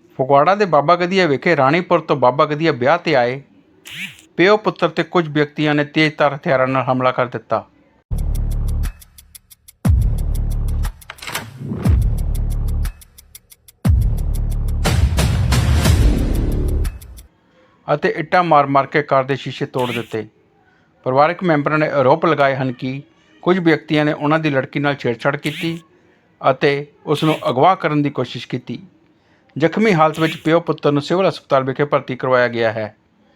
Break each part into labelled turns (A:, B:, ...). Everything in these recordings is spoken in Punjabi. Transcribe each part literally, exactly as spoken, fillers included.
A: ਫਗਵਾੜਾ ਦੇ ਬਾਬਾ ਗਦੀਆ ਵਿਖੇ ਰਾਣੀਪੁਰ ਤੋਂ ਬਾਬਾ ਗਦੀਆ ਵਿਆਹ 'ਤੇ ਆਏ ਪਿਓ ਪੁੱਤਰ 'ਤੇ ਕੁਝ ਵਿਅਕਤੀਆਂ ਨੇ ਤੇਜ਼ਧਾਰ ਹਥਿਆਰਾਂ ਨਾਲ ਹਮਲਾ ਕਰ ਦਿੱਤਾ। ਅਤੇ ਇੱਟਾਂ ਮਾਰ ਮਾਰ ਕੇ ਕਾਰ ਦੇ ਸ਼ੀਸ਼ੇ ਤੋੜ ਦਿੱਤੇ। ਪਰਿਵਾਰਕ ਮੈਂਬਰਾਂ ਨੇ ਆਰੋਪ ਲਗਾਏ ਹਨ ਕਿ ਕੁਝ ਵਿਅਕਤੀਆਂ ਨੇ ਉਹਨਾਂ ਦੀ ਲੜਕੀ ਨਾਲ ਛੇੜਛਾੜ ਕੀਤੀ ਅਤੇ ਉਸ ਨੂੰ ਅਗਵਾ ਕਰਨ ਦੀ ਕੋਸ਼ਿਸ਼ ਕੀਤੀ। ਜ਼ਖਮੀ ਹਾਲਤ ਵਿੱਚ ਪਿਓ ਪੁੱਤਰ ਨੂੰ ਸਿਵਲ ਹਸਪਤਾਲ ਵਿਖੇ ਭਰਤੀ ਕਰਵਾਇਆ ਗਿਆ ਹੈ।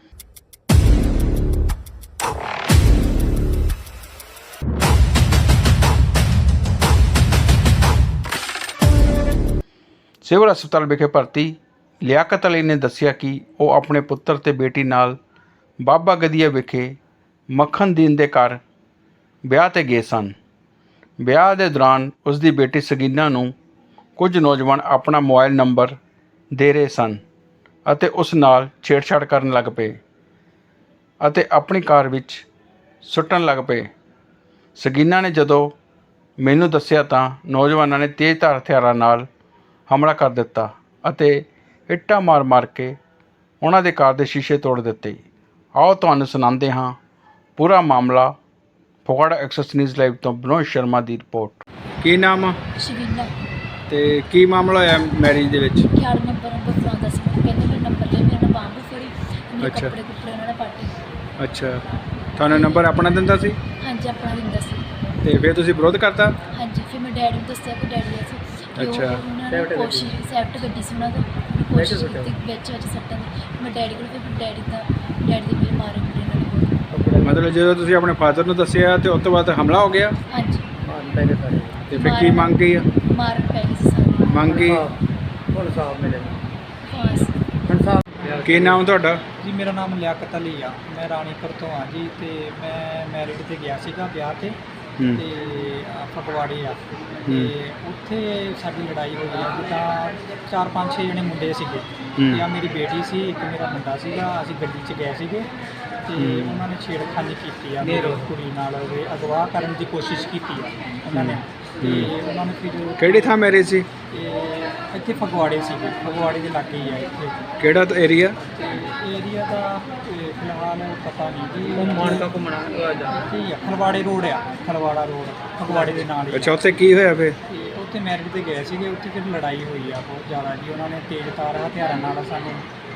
A: ਸਿਵਲ ਹਸਪਤਾਲ ਵਿਖੇ ਭਰਤੀ ਲਿਆਕਤ ਅਲੀ ਨੇ ਦੱਸਿਆ ਕਿ ਉਹ ਆਪਣੇ ਪੁੱਤਰ ਤੇ ਬੇਟੀ ਨਾਲ ਬਾਬਾ ਗਦੀਆ ਵਿਖੇ ਮੱਖਣਦੀਨ ਦੇ ਘਰ ਵਿਆਹ 'ਤੇ ਗਏ ਸਨ। ਵਿਆਹ ਦੇ ਦੌਰਾਨ ਉਸ ਦੀ ਬੇਟੀ ਸਗੀਨਾ ਨੂੰ ਕੁਝ ਨੌਜਵਾਨ ਆਪਣਾ ਮੋਬਾਈਲ ਨੰਬਰ ਦੇ ਰਹੇ ਸਨ ਅਤੇ ਉਸ ਨਾਲ ਛੇੜਛਾੜ ਕਰਨ ਲੱਗ ਪਏ ਅਤੇ ਆਪਣੀ ਕਾਰ ਵਿੱਚ ਸੁੱਟਣ ਲੱਗ ਪਏ। ਸਗੀਨਾ ਨੇ ਜਦੋਂ ਮੈਨੂੰ ਦੱਸਿਆ ਤਾਂ ਨੌਜਵਾਨਾਂ ਨੇ ਤੇਜ਼ਧਾਰ ਹਥਿਆਰਾਂ ਨਾਲ ਹਮਲਾ ਕਰ ਦਿੱਤਾ ਅਤੇ ਇੱਟਾਂ ਮਾਰ ਮਾਰ ਕੇ ਉਹਨਾਂ ਦੇ ਕਾਰ ਦੇ ਸ਼ੀਸ਼ੇ ਤੋੜ ਦਿੱਤੇ। ਆਓ ਤੁਹਾਨੂੰ ਸੁਣਾਉਂਦੇ ਹਾਂ ਪੂਰਾ ਮਾਮਲਾ। ਫਗਵਾੜਾ ਐਕਸੈਸ ਨਿਊਜ਼ ਲਾਈਵ ਤੋਂ ਬਨੋਦ ਸ਼ਰਮਾ ਦੀ ਰਿਪੋਰਟ। ਕੀ ਨਾਮ ਆ?
B: ਸ਼ਬੀਨਾ।
A: ਤੇ ਕੀ ਮਾਮਲਾ ਹੋਇਆ ਮੈਰਿਜ ਦੇ ਵਿੱਚ?
B: ਅਠਾਰਾਂ ਨੰਬਰ ਨੰਬਰ ਫਲਾਉਂਦਾ ਸੀ, ਕਹਿੰਦੇ ਮੇਰੇ ਨੰਬਰ ਲੈ, ਮੇਰੇ ਨਾਲ ਬਾਂਹ ਫੜੀ, ਮੇਰੇ
A: ਅੱਛਾ।
B: ਕੱਪੜੇ ਕੁੱਪੜੇ ਉਹਨਾਂ ਨੇ ਪਾਟੇ।
A: ਅੱਛਾ, ਤੁਹਾਨੂੰ ਨੰਬਰ ਆਪਣਾ ਦਿੰਦਾ ਸੀ?
B: ਹਾਂਜੀ, ਆਪਣਾ ਦਿੰਦਾ ਸੀ।
A: ਤੇ ਫਿਰ ਤੁਸੀਂ ਵਿਰੋਧ ਕਰਤਾ?
B: ਹਾਂਜੀ, ਫਿਰ ਮੈਂ ਡੈਡੀ ਨੂੰ ਦੱਸਿਆ ਕਿ ਡੈਡੀ ਅਸੀਂ
A: ਅੱਛਾ।
B: ਉਹਨਾਂ ਨੇ ਕੋਸ਼ਿਸ਼ ਸੈਫਟ ਗੱਡੀ ਸੀ ਉਹਨਾਂ ਤੋਂ ਕੋਸ਼ਿਸ਼ ਕੀਤੀ ਵਿੱਚ ਵਿੱਚ ਸੱਟਣ ਦੀ। ਮੈਂ ਡੈਡੀ ਕੋਲ ਫਿਰ ਡੈਡੀ ਦਾ ਡੈਡੀ ਦੇ ਮੇਰੇ ਮਾਰੇ ਮੇਰੇ ਨਾਲ ਬਹੁਤ।
A: ਮਤਲਬ ਜਦੋਂ ਤੁਸੀਂ ਆਪਣੇ ਫਾਦਰ ਨੂੰ ਦੱਸਿਆ ਤੇ ਉਸ ਤੋਂ ਬਾਅਦ ਹਮਲਾ ਹੋ ਗਿਆ?
B: ਹਾਂਜੀ।
A: ਤੇ ਫਿਰ ਕੀ ਮੰਗ ਕੀ ਆ?
B: ਮਾਰਨ ਪੈ ਗਈ ਸੀ ਸਾਰੇ।
A: ਮੰਗ ਕੀ?
B: ਬਸ।
A: ਕੀ ਨਾਮ ਤੁਹਾਡਾ?
C: ਜੀ ਮੇਰਾ ਨਾਮ ਲਿਆਕਤ ਅਲੀ ਆ, ਮੈਂ ਰਾਣੀਪੁਰ ਤੋਂ ਆ ਜੀ। ਤੇ ਮੈਂ ਮੈਰਿਡ ਤੇ ਗਿਆ ਸੀਗਾ ਵਿਆਹ ਤੇ
A: ਹੂੰ।
C: ਤੇ ਆ ਫਗਵਾੜੇ ਆ ਤੇ ਉੱਥੇ ਸਾਡੀ ਲੜਾਈ ਹੋ ਗਈ। ਜਿੱਦਾਂ ਚਾਰ ਪੰਜ ਛੇ ਜਣੇ ਮੁੰਡੇ ਸੀਗੇ ਤੇ ਆ ਮੇਰੀ ਬੇਟੀ ਸੀ, ਇੱਕ ਮੇਰਾ ਮੁੰਡਾ ਸੀਗਾ। ਅਸੀਂ ਗੱਡੀ 'ਚ ਗਏ ਸੀਗੇ ਤੇ ਉਹਨਾਂ ਨੇ ਛੇੜਖਾਨੀ ਕੀਤੀ ਆ ਮੇਰੀ ਕੁੜੀ ਨਾਲ, ਉਹਦੇ ਅਗਵਾ ਕਰਨ ਦੀ ਕੋਸ਼ਿਸ਼ ਕੀਤੀ ਆ ਉਹਨਾਂ ਨੇ। ਤੇ ਉਹਨਾਂ ਨੇ ਫਿਰ
A: ਕਿਹੜੀ ਥਾਂ ਮੈਰਿਜ ਸੀ?
C: ਇਹ ਇੱਥੇ ਫਗਵਾੜੇ ਸੀਗੇ, ਫਗਵਾੜੇ ਦੇ ਲਾਗੇ ਹੀ ਆ ਇੱਥੇ।
A: ਕਿਹੜਾ ਏਰੀਆ?
C: ਏਰੀਆ ਦਾ ਤੇ ਫਿਲਹਾਲ ਪਤਾ ਨਹੀਂ ਜੀ। ਮਾਨਕਾ ਘੁੰਮਣਾ ਠੀਕ ਆ, ਖਲਵਾੜੇ ਰੋਡ ਆ, ਖਲਵਾੜਾ ਰੋਡ ਫਗਵਾੜੇ ਦੇ ਨਾਲ ਹੀ।
A: ਅੱਛਾ, ਉੱਥੇ ਕੀ ਹੋਇਆ ਫਿਰ?
C: ਤੇ ਉੱਥੇ ਮੈਰਿਜ ਤੇ ਗਏ ਸੀਗੇ, ਉੱਥੇ ਫਿਰ ਲੜਾਈ ਹੋਈ ਆ ਬਹੁਤ ਜ਼ਿਆਦਾ ਜੀ। ਉਹਨਾਂ ਨੇ ਤੇਜ਼ਧਾਰ ਹਥਿਆਰਾਂ ਨਾਲ ਸਾਨੂੰ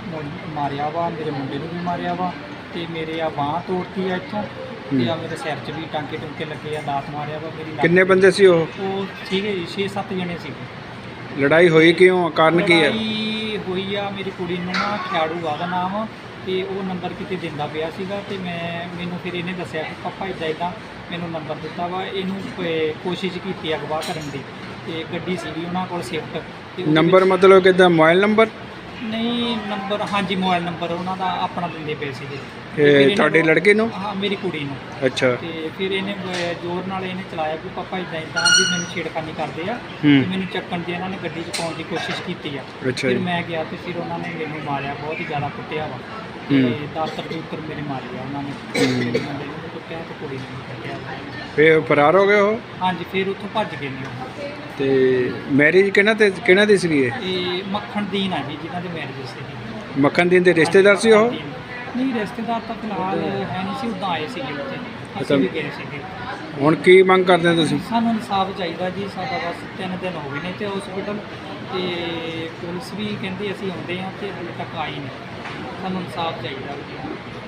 C: ਮਾਰਿਆ ਵਾ, ਮੇਰੇ ਮੁੰਡੇ ਨੂੰ ਵੀ ਮਾਰਿਆ ਵਾ ਤੇ ਮੇਰੇ ਆ ਬਾਂਹ ਤੋੜਤੀ ਆ ਇੱਥੋਂ ਤੇ ਆ ਮੇਰੇ ਸਿਰ 'ਚ ਵੀ ਟਾਂਕੇ ਟੁੰਕੇ ਲੱਗੇ ਆ, ਦਾਤ ਮਾਰਿਆ ਵਾ ਮੇਰੀ।
A: ਕਿੰਨੇ ਬੰਦੇ ਸੀ ਉਹ?
C: ਉਹ ਸੀਗੇ ਜੀ ਛੇ ਸੱਤ ਜਣੇ ਸੀਗੇ।
A: ਲੜਾਈ ਹੋਈ ਕਿਉਂ? ਕਾਰਨ ਕੀ ਹੈ?
C: ਲੜਾਈ ਹੋਈ ਆ, ਮੇਰੀ ਕੁੜੀ ਨੂੰ ਨਾ ਖਿਆੜੂ ਆ ਦਾ ਨਾਮ ਤੇ ਉਹ ਨੰਬਰ ਕਿਤੇ ਦਿੰਦਾ ਪਿਆ ਸੀਗਾ ਤੇ ਮੈਂ ਮੈਨੂੰ ਫਿਰ ਇਹਨੇ ਦੱਸਿਆ ਕਿ ਪਾਪਾ ਇੱਦਾਂ ਇੱਦਾਂ ਮੈਨੂੰ ਨੰਬਰ ਦਿੱਤਾ ਵਾ। ਇਹਨੂੰ ਕ- ਕੋਸ਼ਿਸ਼ ਕੀਤੀ ਅਗਵਾ ਕਰਨ ਦੀ ਤੇ ਗੱਡੀ ਸੀਗੀ ਉਹਨਾਂ ਕੋਲ ਸਿਫਟ। ਤੇ ਉਹਦੇ
A: ਨੰਬਰ
C: ਵਿੱਚ-
A: ਮਤਲਬ ਕਿੱਦਾਂ? Mobile number?
C: ਨਹੀਂ, ਨੰਬਰ ਹਾਂਜੀ ਮੋਬਾਈਲ ਨੰਬਰ ਉਹਨਾਂ ਦਾ ਆਪਣਾ ਦਿੰਦੇ ਪਏ ਸੀਗੇ। ਤੇ
A: ਇਹ
C: ਫਿਰ ਇਹਨੇ-
A: ਤੁਹਾਡੀ ਲੜਕੀ ਨੂੰ?
C: ਹਾਂ, ਮੇਰੀ ਕੁੜੀ ਨੂੰ।
A: ਅੱਛਾ।
C: ਤੇ ਫਿਰ ਇਹਨੇ ਬ- ਜ਼ੋਰ ਨਾਲ ਇਹਨੇ ਚਲਾਇਆ ਕਿ ਪਾਪਾ ਇੱਦਾਂ ਇੱਦਾਂ ਵੀ ਮੈਨੂੰ ਛੇੜਖਾਨੀ ਕਰਦੇ ਆ
A: ਹੂੰ।
C: ਤੇ ਮੈਨੂੰ ਚੱਕਣ ਦੀ ਇਹਨਾਂ ਨੇ ਗੱਡੀ 'ਚ ਪਾਉਣ ਦੀ ਕੋਸ਼ਿਸ਼ ਕੀਤੀ ਆ।
A: ਅੱਛਾ
C: ਫਿਰ
A: ਜੀ।
C: ਮੈਂ ਗਿਆ ਤੇ ਫਿਰ ਉਹਨਾਂ ਨੇ ਮੈਨੂੰ ਮਾਰਿਆ, ਬਹੁਤ ਹੀ ਜ਼ਿਆਦਾ ਕੁੱਟਿਆ ਵਾ ਤੇ ਦਾਤਰ ਦੂਤਰ ਮੇਰੇ ਮਾਰੇ ਆ ਉਹਨਾਂ ਨੇ। ਮੇਰੇ ਮੁੰਡੇ ਨੂੰ ਵੀ ਕੁੱਟਿਆ ਤੇ ਕੁੜੀ ਨੂੰ ਵੀ ਕੁੱਟਿਆ।
A: ਫਿਰ ਫਰਾਰ ਹੋ ਗਏ ਉਹ?
C: ਹਾਂਜੀ, ਫਿਰ ਉੱਥੋਂ ਭੱਜ ਗਏ ਨੇ ਉਹ।
A: ਤੇ ਮੈਰਿਜ ਕਿਹਨਾਂ ਤੇ ਕਿਹਨਾਂ ਦੀ ਸੀਗੀ ਇਹ?
C: ਇਹ ਮੱਖਣਦੀਨ ਆ ਜੀ ਜਿਨ੍ਹਾਂ ਦੇ ਮੈਰਿਜ ਸੀਗੀ।
A: ਮੱਖਣਦੀਨ ਦੇ ਰਿਸ਼ਤੇਦਾਰ ਸੀ ਉਹ?
C: ਨਹੀਂ, ਰਿਸ਼ਤੇਦਾਰ ਤਾਂ ਫਿਲਹਾਲ ਹੈ ਨਹੀਂ ਸੀ, ਉੱਦਾਂ ਆਏ ਸੀਗੇ ਉੱਥੇ, ਅਸੀਂ ਵੀ ਗਏ ਸੀਗੇ।
A: ਹੁਣ ਕੀ ਮੰਗ ਕਰਦੇ ਹੋ ਤੁਸੀਂ?
C: ਸਾਨੂੰ ਇਨਸਾਫ ਚਾਹੀਦਾ ਜੀ। ਸਾਡਾ ਬਸ ਤਿੰਨ ਦਿਨ ਹੋ ਗਏ ਨੇ ਤੇ ਹਸਪੀਟਲ ਤੇ ਪੁਲਿਸ ਵੀ ਕਹਿੰਦੀ ਅਸੀਂ ਆਉਂਦੇ ਹਾਂ ਤੇ ਹਾਲੇ ਤੱਕ ਆਈ ਨਹੀਂ। ਸਾਨੂੰ ਇਨਸਾਫ ਚਾਹੀਦਾ।